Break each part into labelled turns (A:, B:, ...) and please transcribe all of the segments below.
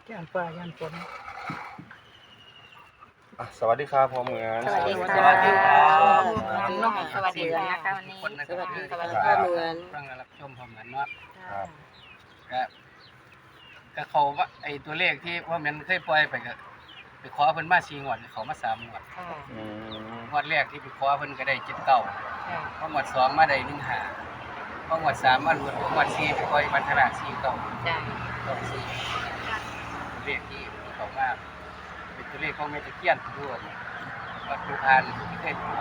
A: ย่านฟ้าย่านฝน
B: สวัสดีครับพ่อเหมือน
C: สวัสดีค่ะ
A: สวัสดีครับ
C: น้องสวัสดีนะคะวันนี้
D: คนนะ
C: สวัสดี
D: ครั
C: ค่ะ
D: บ
C: พ่อเหมือน
D: ฟังและรับชมพร้อมกันเนาะ
B: ครับ
D: ก็เขาว่าไอ้ตัวเลขที่พ่อเหมือนเคยปล่อยไปก็ไปขอเพิ่นมา4งวดเขามา3งวด
C: ค่ะ
B: อืม
D: งวดแรกที่ไปขอเพิ่นก็ได้79
C: ค่ะ
D: พองวด2มาได้15พองวด3มาหลุดงวด4ไปปล่อยบรรทนา49
C: จ้า
D: ตัวเลขที่เขามาเป็นตัวเลขของแม่ตะเคียนด้วยวัดภูพานที่เคยขอ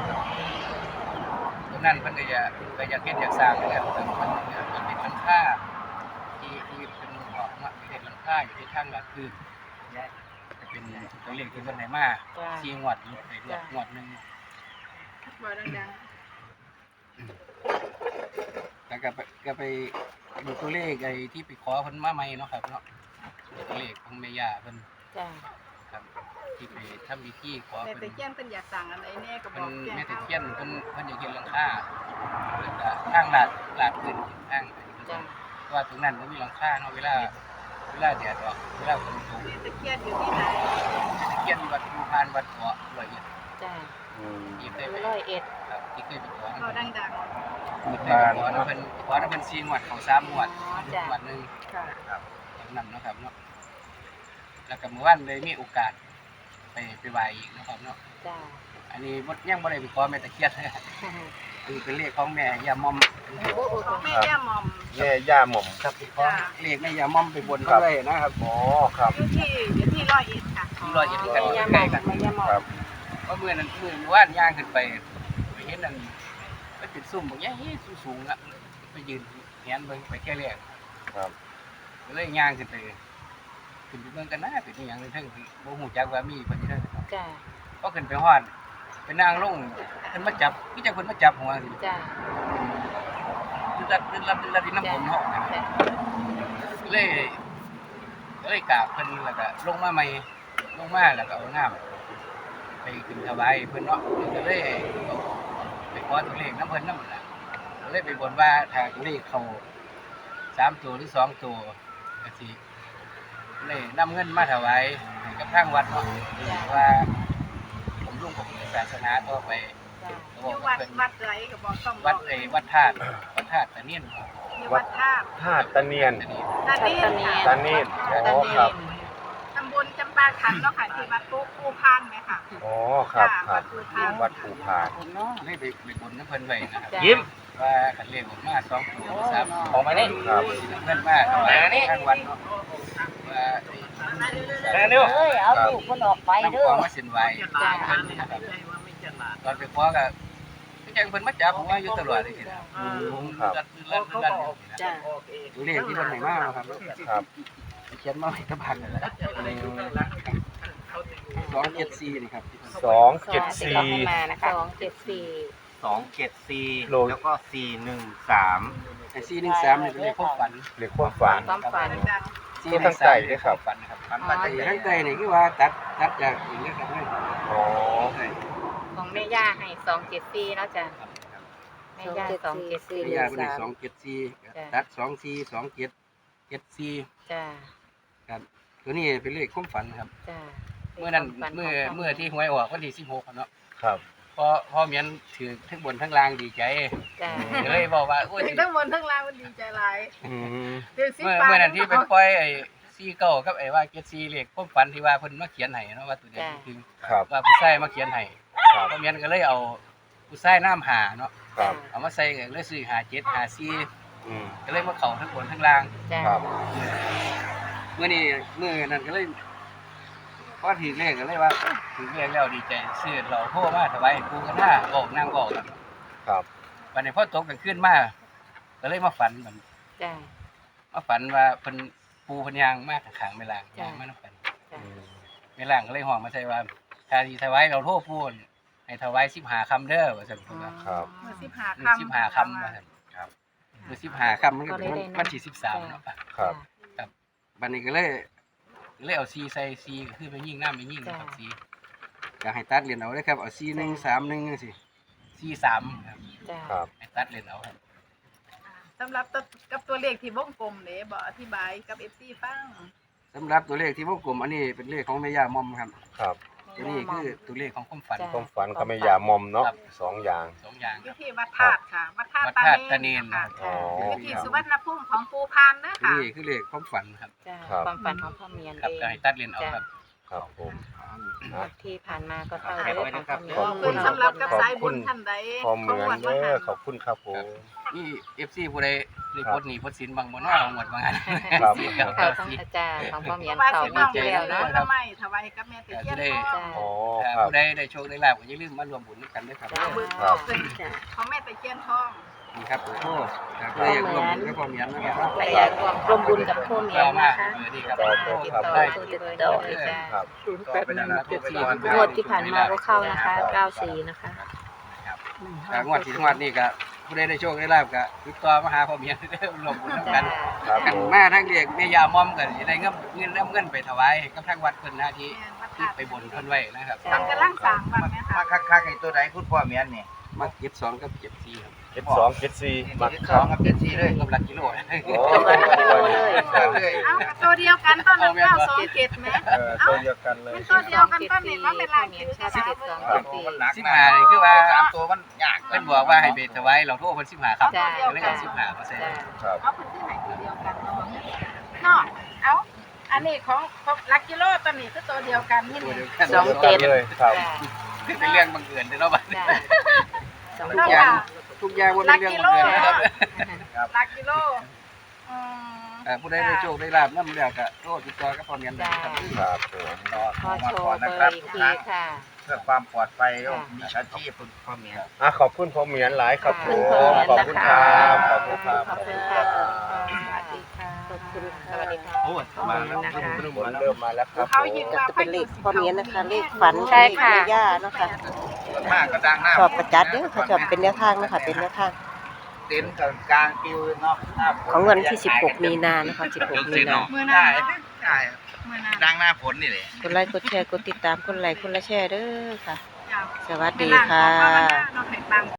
D: ตรงนั้นเพิ่นก็อยากเฮ็ดอยากสร้างนะครับเพิ่นเป็นหลังคาที่เป็นออกมาเป็นหลังคาอยู่ที่ทางหลักคือจะเป็นตัวเลขที่เพิ่นให้มา4งวดอยู่ในงวดนึง
A: บ่ดัง
D: แล้วก็ไปดูตัวเลขไอ้ที่ไปขอเพิ่นมาใหม่เนาะครับเนาะตัวเลขของแม่ย่าเพิ่น
C: จ้า
D: ครับที่ไปทำพิธีขอ
A: ๆแต่
D: เพิ่น
A: ตะเคียนเพิ่นอยากสั่งอันไหนแน่ก็บ
D: เพิ่
A: อน กแจ้ง
D: แม่ตะ
A: เอา
D: เคียนเพิ่นอยากเห็นหลังคาแล้วก็ทางลาดขึ้นทาง
C: จ้า
D: ว่าตรงนั้นมันมีหลังคาเนาะเวลาแดดออกเวลาฝนตก
A: ตะเคียนอยู่ที่ไหน
D: ตะเคียนวัดภูพานวัดเกาะร้อยเอ็ด
C: จ้า
B: อืม
D: ที่เคยไป
C: 101
D: ครับที่เคยไปขอ
A: เอาดัง
D: เคยไปขอแล้วเพิ่นขอแล้วเพิ่น4งวดของ3งวดงวดนึง
A: ๆค่ะ
D: ครับตรงนั้นเนาะครับเนาะแล้วก็เมื่อวานเลยมีโอกาสไปไหว้อีกนะครับเนาะ
C: จ้า
D: อันนี้บ่ยังบ่ได้ไปขอแม่ตะเคียนคือเป็นเลขของแม่ย่ามอม
A: ของแม่ย่าหม่อม
B: แม่ย่าหม่อม
D: ครับไปขอเลขแม่ย่ามอมไปบนเขาด้วยนะครับ
B: อ๋อครับ
A: อยู่ที่ร้อยเอ็ดค่ะ
D: ที่ร้อยเอ็ดกัน
C: ไม่ยาห
D: ใก
C: ม
D: ล้
C: อง
D: กัน
C: ไม่ยาหมอ
B: ครั
C: ง
B: บ
D: เพราะมื้อว่านย่างขึ้นไปเห็นนั่นมันเป็นซุ่มบางอย่างสูงๆอ่ะไปยืนแหนเบิ่งไปแค่แรก
B: ครับ
D: ก็เลยย่างขึ้นไปเบิ่งกันนะเป็นอีหยังนึงทั้งบ่ฮู้จักว่ามีเพิ่นอยู่เด้อ
C: จ้า
D: พอขึ้นไปฮอดไปนั่งลงเพิ่นมาจับคือจังเพิ่นมาจับหัวสิ
C: จ้า
D: ดึงที่น้ำผมเฮานะ
C: จ้า
D: เลยกราบเพิ่นแล้วก็ลงมาใหม่ลงมาแล้วก็เอาน้ำไปขึ้นถวายเพิ่นเนาะก็เลยไปขอตัวเลขน้ำเพิ่นนำล่ะก็เลยไปบนว่าถ้าตัวเลขเข้า3ตัวหรือ2ตัวก็สิเลยนำเงินมาถวายให้กับทางวัดเนาะว่าผมรุ่งของศาสนาต่อไป
C: จ้า
D: ก็
A: อบ
D: อยู่ ก
A: วั
D: ว่า
A: ด
D: เพิ่น
A: วัดไรก็บอกต้องบ
D: วั
A: อ
D: ด
A: ก
D: วัดธาตุตะเนียน
A: อยู่วัดท่า
B: ธาตุตะเนียน
A: ตานีค่ะ
B: ตานีดอ๋อครับ
A: ตำบลจำปาขันเนาะค่ะที่วัดปูพานไหมค่ะ
B: อ๋อครับค
A: วั
B: รับ
A: ดปูพาน
B: วัดภูพาน
D: เลยไปบนน้ำเพิ่นไว้นะครับ
C: จ้า
B: ยิ้ม
D: ว่าคันเลขออกมา2ตัว3ตัว
B: ออกมานี่ครับ
D: เพิ่นมาถวายทางวัดเนาะว่า
B: เร็ว
C: เอ้ยเอาลูกมันออกไป
D: น้ำ
C: เด้
D: ข
C: อ
D: องมาเส้นไหว้
C: จ้า
D: ตอนไปขอก็คือจังเพิ่นมาจับผมว่าอยู่ตลอดเลยทีเดียว
B: ครับ
D: รัด
C: จ้า
D: ตัวเลขที่เพิ่นให้มาครับ
B: ครับ
D: เขียนมาไว้กับพันนั่นแหละ274นี่ครับ
B: 274
C: มานะคะ274
B: โล
E: 274แล้วก็413
D: ไอ้413นี่เป็นเลขความฝัน
B: หรือความฝัน
C: ความฝัน
A: ดัง
B: ตัวตั้งใจด้วยครับ
D: ฝันครับ
E: ฝันว่าจะใหญ่
D: ตั้งใจนี่คือว่าตัดจากอีกแล้วครับเลย
B: อ๋อ
C: ของแม่ย่าให้274แล้วจ้ะแม่ย่า
D: ระยะเป็น274ตัด24 27 74
C: จ้า
D: ครับตัวนี้เป็นเลขความฝันครับ
C: จ้า
D: เมื่อนั้นเมื่อที่หวยออกวันที่16อะเนาะ
B: ครับ
D: พอเมียนถือทั้งบนทั้งล่างดีใจ
C: จ้า
D: เลยบอกว่าโอ้ย
A: ถึงทั้งบนทั้งล่างมันดีใจหลาย
B: อืม
A: ถึงสิ
D: เมื่อ
A: ปา
D: เมื่อนั้นที่ไปปล่อยไอ้49กับไอ้ว่า74เลขความฝันที่ว่าเพิ่นมาเขียนให้เนาะว่าตัวนี้คือ
B: ครับ
D: ว่าผู้ชายมาเขียนให้
B: ครับ
D: พอเมียนก็เลยเอาผู้ชายน้ำหาเนาะ
B: ครับ
D: เอามาใส่กันเลยซื้อ57 54
B: อืม
D: ก็เลยมาเข้าทั้งบนทั้งล่าง
C: จ้า
B: ครับ
D: เมื่อนี้เมื่อนั้นก็เลยพอถือเลขก็เลยว่าถือเลขแล้วดีใจซื้อเราโทรมาถวายปูกันหน้าบอกนั่งบอกกัน
B: ครับ
D: วันนี้พอตกกันขึ้นมาก็เลยมาฝันมัน
C: จ้า
D: มาฝันว่าเพิ่นปูเพิ่นยางมากข้างๆไม่ล่าง
C: จ้ะ
D: ยางมานำกัน
C: จ้า
D: ไม่ล่างก็เลยห้องมาใส่ว่าถ้าสิถวายเราโทรปูนให้ถวาย15คำเด้อว่าซั่นเพิ่นว่า
B: ครับ
A: มือสิบหา
D: มื้อ
A: คำ
D: 15คำว่าซั่นครับมื้อ15คำมันก็เป็นวันที่13เนาะ
B: ครับ
D: บัดนี้ก็เลยเอาซีใส่ซีก็คือไปยิงน้ำไปยิงนะครับซีก็ให้ตัดเหรียญเอาเลยครับเอาซี1 3 1จังซี่ซี3ครับ
C: จ้า
B: ครับ
D: ให้ตัดเหรียญเอาครับ
A: สำหรับกับตัวเลขที่วงกลมเนี่ยบอกอธิบายกับ FC ฟัง
D: สำหรับตัวเลขที่วงกลมอันนี้เป็นเลขของแม่ย่ามอมครับ
B: ครับ
D: ตัวนี้คือตัวเลขของความฝัน
B: ความฝันกับแม่ยามอมเนาะ
D: ครับ
B: สองอย่าง
D: สองอย่างค
A: วิ
D: รับ
A: ธีวัดธาตุค่ะวัดธาตุ
D: วัดธาตุตาเนน
A: ค่ะ
B: อ๋อ
A: วิธีสุวรรณภูมิของปูพานเด้อ
D: ตัว
A: ค่ะ
D: นี้คือเลขความฝันครับ
C: จ้า
B: ครับ
C: ความฝันของพ่อเมียน
D: ครับ
C: เอง
D: ก็ให้ตัดเรียนเอาครับ
B: ครับผม
C: งวดที่ผ่านมาก็เข้าเรื่องของพ่อเมียน
A: ขอบคุณสำหรับกับสายบุญท่านใด
B: พอเหมือนเด้อขอบคุณครับผม
D: นี่ FC ผู้ใดรีพอร์ตหนีพอสินบางบ่เนาะหมดบางอัน
B: ครับ
C: เขาของอาจารย์ของพ่อเมียน
A: ว่า
C: เขา
A: สิ
C: ง
A: ม
C: ว
A: อ
C: ด
A: ง
C: ที่
A: เห็
C: แล้ว
A: น
C: เนาะ
A: ทำไมถวายกับแม่ตะเคียนทอง
B: อ๋อครับ
D: ผู้ใดได้โชคได้ลาภก็อย่าลืมมารวมบุญด้วยกันด้วยครับ
C: จ้า
A: เบิก
B: ครับ
A: เป็นของแม่ตะเคียนทอง
D: นี่ครับผมโอ้ครับผู้ใดอยากร่วมบุญกับพ่อเมียนนะครับ
C: ใครอยากร่วมบุญกับพ่อเมียน
D: ต่อมา
C: นะคะ
D: นี่ครับ
C: ติด
B: ครับ
C: ต่อ
D: ได้
C: ติดต่อเลยจ้า
B: ครับ
C: งวดที่ผ่านมาก็เข้านะคะ94นะคะ
D: ครับงวดที่ทั้งวันนี่ก็ผู้ใดได้โชคได้ลาภก็ติดต่อมาหาพ่อเมียนเด้อร่วมบุญนำกัน
B: ครับ
D: กัน
B: ผม
D: มาทั้งเรียกแม่ยามอมกันสิได้เงินไปถวายกับทางวัดเพิ่นนะที่ไปบนเพิ่นไว้นะครับ
A: ทำกำลังสร้างบ้างไหมคะ
E: มาคักๆไอ้ตัวใดคุณพ่อเมียนนี่
D: มา72กับ74ครับ
B: 72 74มัก
E: สองกับ74เลย
D: กับหลักกิโล
B: โอ้
E: เลย
A: เอาตัวเดียวกันต้นนั้น927ไหม
B: ตัวเดียวกันเลย
A: มันตัวเดียวกันต้นนี้ว่าเป็นลายถือกระดาษเบิ่ง
E: มันหนัก
D: 15นี่คือว่า
E: สามตัวมันยาก
D: เพิ่นบอกว่าให้ไปถวายเราโทรเพิ่น15ครับ
C: จ้า
D: ก็เลยเอา15%
B: ครับ
A: เอาพื้นที่ไหนตัวเดียวกันเนาะเนาะเอาอันนี้ของลักกิโลตัวนี้คือตัวเดียวกันนี่
D: ตัว
A: นี่
D: เดียวกัน
B: เลยครับ
C: จ้า
D: เป็นเรื่องบังเอิญเด้อเนาะบัดนี้
C: จ้า
D: ทุกอย่างทุกอย่างบ่เป็นเรื่องบังเอิญนะครับ
A: ลักกิโลอืม
D: ผู้ใดได้โชคได้ลาภนำแล้วก็โทรติดต่อกับพ่อเมียนได้ครับ
B: ครับผม
C: ขอโชว์เบอร์อีกทีค่ะ
E: เพื่อความปลอดภัยก็มีอาชีพคุณพ่อเมียน
B: ขอบคุณพ่อเหมียนหลายครับผม
C: ขอบคุณพ่อเหมียน
B: ขอบคุณครับ
C: ขอบคุณค่ะสวัสดีค่ะขอบคุณสวัสดีค่ะ
E: โอ้ยมาแล้ว
C: นะคะ
B: ฝนเริ่มมาแล้วครับ
A: เขายิง
B: ผม
A: มา
F: จะเป็นเลขพ่อเมียนนะคะ เลขฝัน
C: ใช่ค่ะ
F: เลขแม่ย่าเนาะค่ะ
E: มากก็ดังหน้า
F: ชอบประจัดเด้อค่ะชอบเป็นแนวทางเนาะค่ะเป็นแนวทาง
E: เต็นท์กลางคิวเนาะหน้าฝ
F: ของวันที่ 16 มีนานะคะ 16 มีนา
A: มือ
E: ใช่
A: นานเนาะ
E: ใช่
A: มือนาน
E: ดังหน้าฝนนี่แหละ
F: กดไลค์กดแชร์กดติดตามกดไลค์กดละแชร์เด้อค่ะ
A: จ้ะ
F: สวัสดีค่ะ
A: เวลาของภาวนาเนาะให้ปัง